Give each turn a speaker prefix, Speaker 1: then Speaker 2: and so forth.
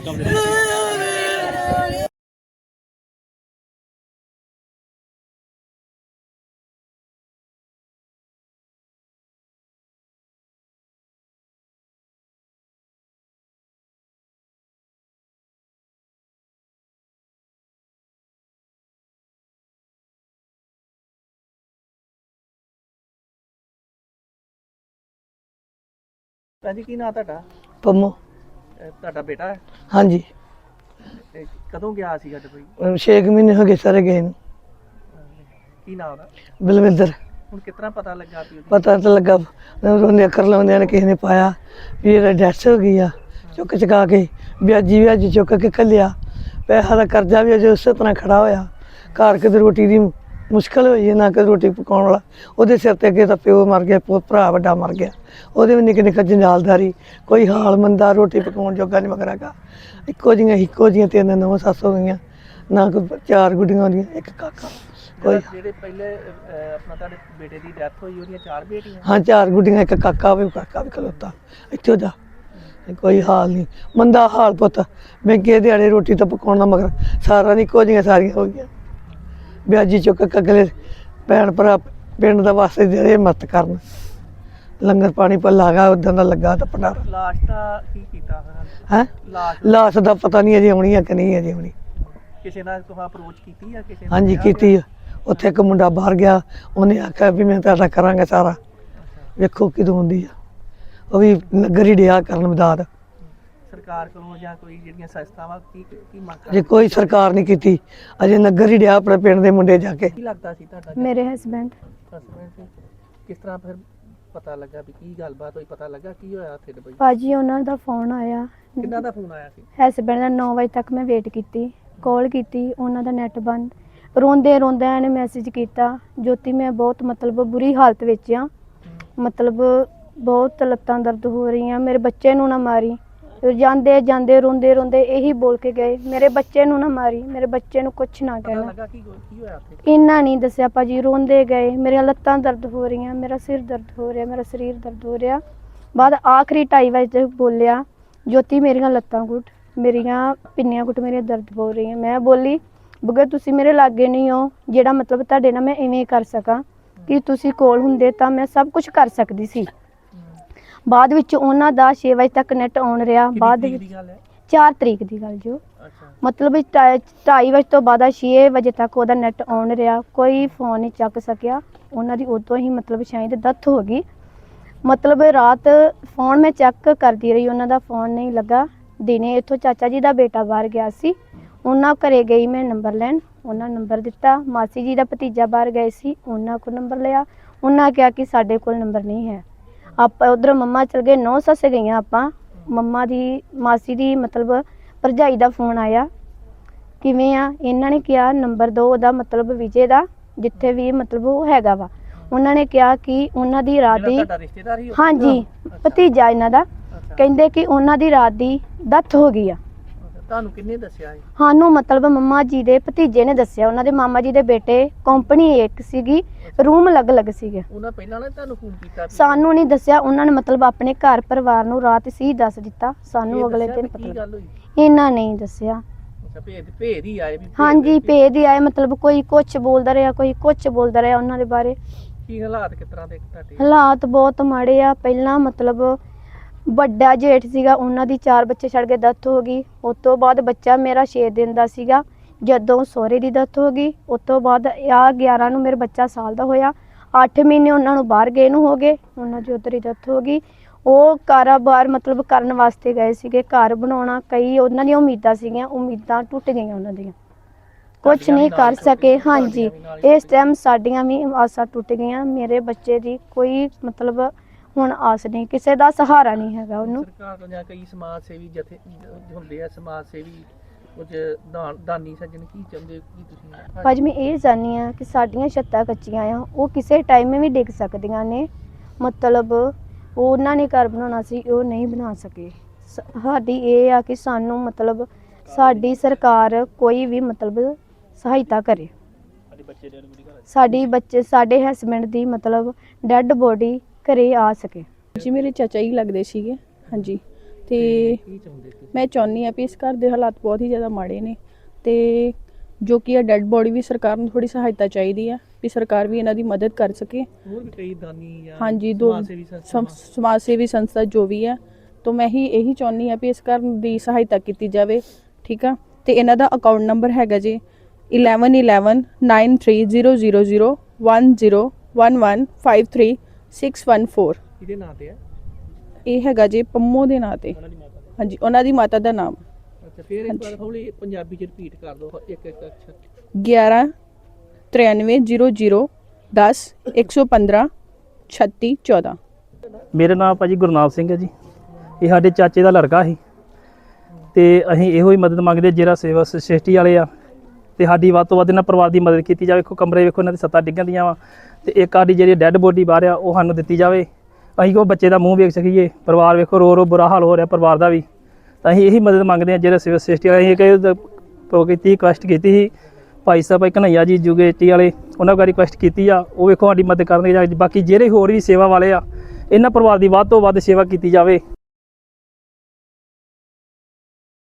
Speaker 1: ਭਾਜੀ ਕੀ ਨਾਂ ਤੁਹਾਡਾ?
Speaker 2: ਪੰਮੋ।
Speaker 1: ਤੁਹਾਡਾ ਬੇਟਾ ਹੈ?
Speaker 2: ਹਾਂਜੀ।
Speaker 1: ਤੇ ਕਦੋਂ ਗਿਆ ਸੀਗਾ ਦੁਬਈ?
Speaker 2: 6 ਮਹੀਨੇ ਹੋ ਗਏ ਸਾਰੇ ਗਏ ਨੂੰ।
Speaker 1: ਕੀ ਨਾਂ ਉਹਦਾ?
Speaker 2: ਬਲਵਿੰਦਰ।
Speaker 1: ਹੁਣ ਕਿਸ ਤਰ੍ਹਾਂ ਪਤਾ ਲੱਗਾ ਵੀ
Speaker 2: ਪਤਾ ਤਾਂ ਲੱਗਾ ਉਹਨੇ ਅੱਖਰ ਲਾਉਂਦਿਆਂ ਨੇ ਕਿਸੇ ਨੇ ਪਾਇਆ ਵੀ ਇਹਦਾ ਡੈਥ ਹੋ ਗਈ ਆ। ਚੁੱਕ ਚੁਕਾ ਕੇ ਵਿਆਜੀ ਚੁੱਕ ਕੇ ਘੱਲਿਆ। ਪੈਸਾ ਦਾ ਕਰਜ਼ਾ ਵੀ ਅਜੇ ਉਸੇ ਤਰ੍ਹਾਂ ਖੜਾ ਹੋਇਆ। ਘਰ ਕਿਤੇ ਰੋਟੀ ਦੀ ਮੁਸ਼ਕਿਲ ਹੋਈ ਹੈ, ਨਾ ਕਿ ਰੋਟੀ ਪਕਾਉਣ ਵਾਲਾ। ਉਹਦੇ ਸਿਰ ਤੇ ਅੱਗੇ ਤਾਂ ਪਿਓ ਮਰ ਗਿਆ, ਭਰਾ ਵੱਡਾ ਮਰ ਗਿਆ। ਉਹਦੇ ਵੀ ਨਿੱਕੇ ਨਿੱਕੇ ਜੰਜਾਲਦਾਰੀ, ਕੋਈ ਹਾਲ ਮੰਦਾ, ਰੋਟੀ ਪਕਾਉਣ ਜੋਗਾ ਨਹੀਂ ਮਗਰ ਹੈਗਾ। ਇੱਕੋ ਜਿਹੀਆਂ 3 ਨੌਂ ਸੱਸ ਹੋ ਗਈਆਂ, ਨਾ ਕੋਈ 4 ਗੁੱਡੀਆਂ ਹੁੰਦੀਆਂ, ਇੱਕ ਕਾਕਾ। ਕੋਈ
Speaker 1: ਜਿਹੜੇ ਪਹਿਲੇ ਆਪਣਾ ਤੁਹਾਡੇ ਬੇਟੇ ਦੀ ਡੈਥ ਹੋਈ ਉਹਦੀਆਂ 4 ਬੇਟੀਆਂ?
Speaker 2: ਹਾਂ, 4 ਗੁੱਡੀਆਂ, ਇੱਕ ਕਾਕਾ ਵੀ ਖਲੋਤਾ ਇੱਥੇ ਜਾ। ਕੋਈ ਹਾਲ ਨਹੀਂ, ਮੰਦਾ ਹਾਲ ਪੁੱਤ। ਮਹਿੰਗੇ ਦਿਹਾੜੇ ਰੋਟੀ ਤਾਂ ਪਕਾਉਣ ਦਾ ਮਗਰ ਸਾਰਾ ਨਹੀਂ, ਇੱਕੋ ਜਿਹੀਆਂ ਸਾਰੀਆਂ ਹੋ ਗਈਆਂ। ਵਿਆਜੀ ਚੁੱਕ ਕੇ ਅਗਲੇ ਭੈਣ ਭਰਾ ਪਿੰਡ ਦਾ ਵਾਸਤੇ ਜਿਹੜੇ ਮਦਦ ਕਰਨ। ਲੰਗਰ ਪਾਣੀ ਭੱਲਾ ਗਾ ਉਦਾਂ ਦਾ ਲੱਗਾ ਤਾਂ ਭੰਡਾਰਾ।
Speaker 1: ਲਾਸ਼ ਦਾ ਕੀ ਕੀਤਾ
Speaker 2: ਹੈ? ਲਾਸ਼ ਦਾ ਪਤਾ ਨਹੀਂ ਅਜੇ ਆਉਣੀ ਆ ਕਿ ਨਹੀਂ ਅਜੇ ਆਉਣੀ।
Speaker 1: ਕਿਸੇ ਨਾਲ ਤੁਸੀਂ ਅਪਰੋਚ ਕੀਤੀ ਆ ਕਿਸੇ?
Speaker 2: ਹਾਂਜੀ ਕੀਤੀ ਆ। ਉੱਥੇ ਇੱਕ ਮੁੰਡਾ ਬਾਹਰ ਗਿਆ, ਉਹਨੇ ਆਖਿਆ ਵੀ ਮੈਂ ਤੁਹਾਡਾ ਕਰਾਂਗਾ ਸਾਰਾ, ਵੇਖੋ ਕਿਦੋਂ ਹੁੰਦੀ ਆ। ਉਹ ਵੀ ਨਗਰ ਹੀ ਡਿਆ ਕਰਨ ਮਦਦ।
Speaker 1: ਸਰਕਾਰ ਕੋਲੋਂ ਜਾਂ ਕੋਈ ਜਿਹੜੀਆਂ ਸੰਸਥਾਵਾਂ ਕੀ ਮੰਗ
Speaker 2: ਅਜੇ ਕੋਈ ਸਰਕਾਰ ਨਹੀਂ ਕੀਤੀ, ਅਜੇ ਨਗਰ ਹੀ ਡਿਆ ਆਪਣੇ ਪਿੰਡ ਦੇ ਮੁੰਡੇ ਜਾ ਕੇ।
Speaker 1: ਕੀ ਲੱਗਦਾ ਸੀ ਤੁਹਾਡਾ?
Speaker 3: ਮੇਰੇ ਹਸਬੈਂਡ।
Speaker 1: ਕਿਸ ਤਰ੍ਹਾਂ ਫਿਰ ਪਤਾ ਲੱਗਾ ਵੀ ਕੀ ਗੱਲਬਾਤ ਹੋਈ? ਪਤਾ ਲੱਗਾ ਕੀ ਹੋਇਆ ਉੱਥੇ ਦੁਬਈ?
Speaker 3: ਭਾਜੀ ਉਹਨਾਂ ਦਾ ਫੋਨ ਆਇਆ।
Speaker 1: ਕਿੰਨਾ ਦਾ ਫੋਨ ਆਇਆ ਸੀ?
Speaker 3: ਹਸਬੈਂਡ ਦਾ 9 ਵਜੇ ਤੱਕ ਮੈਂ ਵੇਟ ਕੀਤੀ, ਕਾਲ ਕੀਤੀ, ਉਹਨਾਂ ਦਾ ਨੈਟ ਬੰਦ। ਰੋਂਦੇ ਇਹਨੇ ਮੈਸੇਜ ਕੀਤਾ, ਜੋਤੀ ਮੈਂ ਬਹੁਤ ਮਤਲਬ ਬੁਰੀ ਹਾਲਤ ਵਿੱਚ ਆ, ਮਤਲਬ ਬਹੁਤ ਲੱਤਾਂ ਦਰਦ ਹੋ ਰਹੀਆਂ, ਮੇਰੇ ਬੱਚੇ ਨੂੰ ਨਾ ਮਾਰੀ। ਜਾਂਦੇ ਰੋਂਦੇ ਇਹੀ ਬੋਲ ਕੇ ਗਏ, ਮੇਰੇ ਬੱਚੇ ਨੂੰ ਨਾ ਮਾਰੀ, ਮੇਰੇ ਬੱਚੇ ਨੂੰ ਕੁਛ ਨਾ ਕਹਿਣਾ। ਇੰਨਾ ਨਹੀਂ ਦੱਸਿਆ ਭਾਜੀ, ਰੋਂਦੇ ਗਏ, ਮੇਰੀਆਂ ਲੱਤਾਂ ਦਰਦ ਹੋ ਰਹੀਆਂ, ਮੇਰਾ ਸਿਰ ਦਰਦ ਹੋ ਰਿਹਾ, ਮੇਰਾ ਸਰੀਰ ਦਰਦ ਹੋ ਰਿਹਾ। ਬਾਅਦ ਆਖਰੀ 2:30 ਵਜੇ ਬੋਲਿਆ, ਜੋਤੀ ਮੇਰੀਆਂ ਲੱਤਾਂ ਘੁੱਟ, ਮੇਰੀਆਂ ਪਿੰਨੀਆਂ ਘੁੱਟ, ਮੇਰੀਆਂ ਦਰਦ ਹੋ ਰਹੀਆਂ। ਮੈਂ ਬੋਲੀ, ਬਗਰ ਤੁਸੀਂ ਮੇਰੇ ਲਾਗੇ ਨਹੀਂ ਹੋ ਜਿਹੜਾ ਮਤਲਬ ਤੁਹਾਡੇ ਨਾਲ ਮੈਂ ਇਵੇਂ ਕਰ ਸਕਾਂ, ਕਿ ਤੁਸੀਂ ਕੋਲ ਹੁੰਦੇ ਤਾਂ ਮੈਂ ਸਭ ਕੁਝ ਕਰ ਸਕਦੀ ਸੀ। ਬਾਅਦ ਵਿੱਚ ਉਹਨਾਂ ਦਾ 6 ਵਜੇ ਤੱਕ ਨੈਟ ਆਨ ਰਿਹਾ। ਬਾਅਦ ਵਿੱਚ 4 ਤਰੀਕ ਦੀ ਗੱਲ ਜੋ ਮਤਲਬ 2:30 ਵਜੇ ਤੋਂ ਬਾਅਦ 6 ਵਜੇ ਤੱਕ ਉਹਦਾ ਨੈਟ ਆਨ ਰਿਹਾ, ਕੋਈ ਫੋਨ ਨਹੀਂ ਚੱਕ ਸਕਿਆ। ਉਹਨਾਂ ਦੀ ਉਦੋਂ ਹੀ ਮਤਲਬ ਸ਼ਾਇਦ ਡੈਥ ਹੋ ਗਈ। ਮਤਲਬ ਰਾਤ ਫੋਨ ਮੈਂ ਚੈੱਕ ਕਰਦੀ ਰਹੀ, ਉਹਨਾਂ ਦਾ ਫੋਨ ਨਹੀਂ ਲੱਗਾ। ਦਿਨੇ ਇੱਥੋਂ ਚਾਚਾ ਜੀ ਦਾ ਬੇਟਾ ਬਾਹਰ ਗਿਆ ਸੀ, ਉਹਨਾਂ ਘਰੇ ਗਈ ਮੈਂ ਨੰਬਰ ਲੈਣ, ਉਹਨਾਂ ਨੰਬਰ ਦਿੱਤਾ। ਮਾਸੀ ਜੀ ਦਾ ਭਤੀਜਾ ਬਾਹਰ ਗਏ ਸੀ, ਉਹਨਾਂ ਕੋਲ ਨੰਬਰ ਲਿਆ। ਉਹਨਾਂ ਕਿਹਾ ਕਿ ਸਾਡੇ ਕੋਲ ਨੰਬਰ ਨਹੀਂ ਹੈ। ਆਪਾਂ ਉੱਧਰ ਮੰਮਾ ਚਲ ਗਏ, 9 ਸੱਸ ਗਈਆਂ ਆਪਾਂ। ਮੰਮਾ ਦੀ ਮਾਸੀ ਦੀ ਮਤਲਬ ਭਰਜਾਈ ਦਾ ਫੋਨ ਆਇਆ, ਕਿਵੇਂ ਆ? ਇਹਨਾਂ ਨੇ ਕਿਹਾ ਨੰਬਰ ਦਿਓ ਉਹਦਾ, ਮਤਲਬ ਵਿਜੇ ਦਾ, ਜਿੱਥੇ ਵੀ ਮਤਲਬ ਉਹ ਹੈਗਾ ਵਾ। ਉਹਨਾਂ ਨੇ ਕਿਹਾ ਕਿ ਉਹਨਾਂ ਦੀ ਰਾਤ ਦੀ, ਹਾਂਜੀ ਭਤੀਜਾ ਇਹਨਾਂ ਦਾ, ਕਹਿੰਦੇ ਕਿ ਉਹਨਾਂ ਦੀ ਰਾਤ ਦੀ ਡੈਥ ਹੋ ਗਈ ਆ।
Speaker 1: ਤੁਹਾਨੂੰ ਕਿੰਨੇ ਦੱਸਿਆ?
Speaker 3: ਸਾਨੂੰ ਮਤਲਬ ਮੰਮਾ ਜੀ ਦੇ ਭਤੀਜੇ ਨੇ ਦੱਸਿਆ। ਉਹਨਾਂ ਦੇ ਮਾਮਾ ਜੀ ਦੇ ਬੇਟੇ ਕੰਪਨੀ ਇੱਕ ਸੀਗੀ, ਰੂਮ ਅਲੱਗ ਸੀਗੇ।
Speaker 1: ਉਹਨਾਂ ਪਹਿਲਾਂ ਨੇ ਤੁਹਾਨੂੰ ਫੋਨ ਕੀਤਾ?
Speaker 3: ਸਾਨੂੰ ਨਹੀਂ ਦੱਸਿਆ, ਉਹਨਾਂ ਨੇ ਮਤਲਬ ਆਪਣੇ ਘਰ ਪਰਿਵਾਰ ਨੂੰ ਰਾਤ ਸੀ ਦੱਸ ਦਿੱਤਾ, ਸਾਨੂੰ ਅਗਲੇ ਦਿਨ ਪਤਾ। ਇਹਨਾਂ ਨਹੀਂ ਦੱਸਿਆ।
Speaker 1: ਭੇਦ ਹੀ ਆਏ?
Speaker 3: ਹਾਂਜੀ ਭੇਦ ਹੀ ਆਏ, ਮਤਲਬ ਕੋਈ ਕੁਛ ਬੋਲਦਾ ਰਿਹਾ, ਕੋਈ ਕੁਛ ਬੋਲਦਾ ਰਿਹਾ ਉਹਨਾਂ ਦੇ ਬਾਰੇ।
Speaker 1: ਕੀ ਹਾਲਾਤ ਕਿਸ ਤਰ੍ਹਾਂ ਦੇ ਤੁਹਾਡੇ?
Speaker 3: ਹਾਲਾਤ ਬਹੁਤ ਮਾੜੇ ਆ। ਪਹਿਲਾਂ ਮਤਲਬ ਵੱਡਾ ਜੇਠ ਸੀਗਾ, ਉਹਨਾਂ ਦੀ 4 ਬੱਚੇ ਛੱਡ ਕੇ ਡੈਥ ਹੋ ਗਈ। ਉਸ ਤੋਂ ਬਾਅਦ ਬੱਚਾ ਮੇਰਾ 6 ਦਿਨ ਦਾ ਸੀਗਾ ਜਦੋਂ ਸਹੁਰੇ ਦੀ ਡੈਥ ਹੋ ਗਈ। ਉਸ ਤੋਂ ਬਾਅਦ ਆ 11 ਨੂੰ ਮੇਰਾ ਬੱਚਾ ਸਾਲ ਦਾ ਹੋਇਆ। 8 ਮਹੀਨੇ ਉਹਨਾਂ ਨੂੰ ਬਾਹਰ ਗਏ ਨੂੰ ਹੋ ਗਏ, ਉਹਨਾਂ ਦੀ ਉੱਧਰ ਹੀ ਡੈਥ ਹੋ ਗਈ। ਉਹ ਕਾਰੋਬਾਰ ਮਤਲਬ ਕਰਨ ਵਾਸਤੇ ਗਏ ਸੀਗੇ, ਘਰ ਬਣਾਉਣਾ, ਕਈ ਉਹਨਾਂ ਦੀਆਂ ਉਮੀਦਾਂ ਸੀਗੀਆਂ, ਉਮੀਦਾਂ ਟੁੱਟ ਗਈਆਂ ਉਹਨਾਂ ਦੀਆਂ, ਕੁਛ ਨਹੀਂ ਕਰ ਸਕੇ। ਹਾਂਜੀ ਇਸ ਟਾਈਮ ਸਾਡੀਆਂ ਵੀ ਆਸਾਂ ਟੁੱਟ ਗਈਆਂ। ਮੇਰੇ ਬੱਚੇ ਦੀ ਕੋਈ ਮਤਲਬ ਹੁਣ ਆਸ ਨਹੀਂ, ਕਿਸੇ ਦਾ ਸਹਾਰਾ ਨਹੀਂ ਹੈਗਾ ਉਹਨੂੰ।
Speaker 1: ਸਰਕਾਰ ਤੋਂ ਜਾਂ ਕਈ ਸਮਾਜ ਸੇਵੀ ਜਥੇ ਹੁੰਦੇ ਆ, ਸਮਾਜ ਸੇਵੀ ਕੁਝ ਦਾਨੀ ਸੱਜਣ ਕੀ ਚਾਹੁੰਦੇ ਕੀ ਤੁਸੀਂ?
Speaker 3: ਭਾਜੀ ਮੈਂ ਇਹ ਚਾਹੁੰਦੀ ਹਾਂ ਕਿ ਸਾਡੀਆਂ ਛੱਤਾਂ ਕੱਚੀਆਂ ਆ, ਉਹ ਕਿਸੇ ਟਾਈਮ ਵੀ ਡਿੱਗ ਸਕਦੀਆਂ ਨੇ। ਮਤਲਬ ਉਹਨਾਂ ਨੇ ਘਰ ਬਣਾਉਣਾ ਸੀ, ਉਹ ਨਹੀਂ ਬਣਾ ਸਕੇ। ਸਾਡੀ ਇਹ ਆ ਕਿ ਸਾਨੂੰ ਮਤਲਬ ਸਾਡੀ ਸਰਕਾਰ ਕੋਈ ਵੀ ਮਤਲਬ ਸਹਾਇਤਾ ਕਰੇ। ਸਾਡੇ ਹਸਬੈਂਡ ਦੀ ਮਤਲਬ ਡੈੱਡ ਬੋਡੀ ਘਰੇ ਆ ਸਕੇ।
Speaker 4: ਜੀ ਮੇਰੇ ਚਾਚਾ ਜੀ ਲੱਗਦੇ ਸੀਗੇ, ਹਾਂਜੀ। ਤੇ
Speaker 1: ਕੀ ਚਾਹੁੰਦੇ ਤੁਸੀਂ?
Speaker 4: ਮੈਂ ਚਾਹੁੰਦੀ ਹਾਂ ਵੀ ਇਸ ਘਰ ਦੇ ਹਾਲਾਤ ਬਹੁਤ ਹੀ ਜ਼ਿਆਦਾ ਮਾੜੇ ਨੇ ਤੇ ਜੋ ਕਿ ਇਹ ਡੈੱਡ ਬੋਡੀ ਵੀ ਸਰਕਾਰ ਨੂੰ ਥੋੜੀ ਸਹਾਇਤਾ ਚਾਹੀਦੀ ਆ ਵੀ ਸਰਕਾਰ ਵੀ ਇਹਨਾਂ ਦੀ ਮਦਦ ਕਰ ਸਕੇ।
Speaker 1: ਹੋਰ ਵੀ ਕਈ ਦਾਨੀ ਜਾਂ
Speaker 4: ਹਾਂਜੀ, ਦੋ
Speaker 1: ਸਮਾਜ ਸੇਵੀ ਸੰਸਥਾਵਾਂ
Speaker 4: ਸਮਾਜ ਸੇਵੀ ਸੰਸਥਾ ਜੋ ਵੀ ਹੈ ਤਾਂ ਮੈਂ ਇਹੀ ਚਾਹੁੰਦੀ ਹਾਂ ਵੀ ਇਸ ਘਰ ਦੀ ਸਹਾਇਤਾ ਕੀਤੀ ਜਾਵੇ, ਠੀਕ ਆ। ਤੇ ਇਹਨਾਂ ਦਾ ਅਕਾਊਂਟ ਨੰਬਰ ਹੈਗਾ ਜੀ 111193001011536114।
Speaker 1: ਇਹਦੇ ਨਾਂ ਤੇ ਹੈ?
Speaker 4: ਇਹ ਹੈਗਾ ਜੀ ਪੰਮੋ ਦੇ ਨਾਂ ਤੇ। ਹਾਂਜੀ, ਉਹਨਾਂ ਦੀ ਮਾਤਾ ਦਾ ਨਾਮ
Speaker 1: ਅੱਛਾ, ਫਿਰ ਇੱਕ ਵਾਰ ਹੌਲੀ ਪੰਜਾਬੀ ਚ ਰਿਪੀਟ ਕਰ ਦਿਓ ਇੱਕ ਇੱਕ ਅੱਛਾ।
Speaker 4: 1193001011153614।
Speaker 5: ਮੇਰਾ ਨਾਮ ਭਾਜੀ ਗੁਰਨਾਮ ਸਿੰਘ ਹੈ ਜੀ। ਇਹ ਸਾਡੇ ਚਾਚੇ ਦਾ ਲੜਕਾ ਸੀ ਤੇ ਅਸੀਂ ਇਹੋ ਹੀ ਮਦਦ ਮੰਗਦੇ ਜਿਹੜਾ ਸੇਵਾ ਸੁਸਾਇਟੀ ਵਾਲੇ ਆ ਤੇ ਸਾਡੀ ਵੱਧ ਤੋਂ ਵੱਧ ਇਹਨਾਂ ਪਰਿਵਾਰ ਦੀ ਮਦਦ ਕੀਤੀ ਜਾਵੇ। ਵੇਖੋ ਕਮਰੇ ਵੇਖੋ ਇਹਨਾਂ ਦੀ ਸੱਤਾਂ ਡਿੱਗਣ ਦੀਆਂ ਵਾ ਤੇ ਇੱਕ ਸਾਡੀ ਜਿਹੜੀ ਡੈੱਡ ਬੋਡੀ ਬਾਹਰ ਆ ਉਹ ਸਾਨੂੰ ਦਿੱਤੀ ਜਾਵੇ। ਅਸੀਂ ਉਹ ਬੱਚੇ ਦਾ ਮੂੰਹ ਵੇਖ ਸਕੀਏ। ਪਰਿਵਾਰ ਵੇਖੋ ਰੋ ਬੁਰਾ ਹਾਲ ਹੋ ਰਿਹਾ ਪਰਿਵਾਰ ਦਾ ਵੀ। ਤਾਂ ਅਸੀਂ ਇਹੀ ਮਦਦ ਮੰਗਦੇ ਹਾਂ ਜਿਹੜਾ ਸੇਵਾ ਸੁਸਾਇਟੀ ਵਾਲੇ। ਅਸੀਂ ਕੀਤੀ ਰਿਕੁਐਸਟ ਕੀਤੀ ਸੀ ਭਾਈ ਸਾਹਿਬ ਕਨ੍ਹਈਆ ਜੀ ਯੂਗੇਟੀ ਵਾਲੇ, ਉਹਨਾਂ ਕੋਲ ਰਿਕੁਐਸਟ ਕੀਤੀ ਆ। ਉਹ ਵੇਖੋ ਸਾਡੀ ਮਦਦ ਕਰਨਗੇ। ਬਾਕੀ ਜਿਹੜੇ ਹੋਰ ਵੀ ਸੇਵਾ ਵਾਲੇ ਆ ਇਹਨਾਂ ਪਰਿਵਾਰ ਦੀ ਵੱਧ ਤੋਂ ਵੱਧ ਸੇਵਾ ਕੀਤੀ ਜਾਵੇ।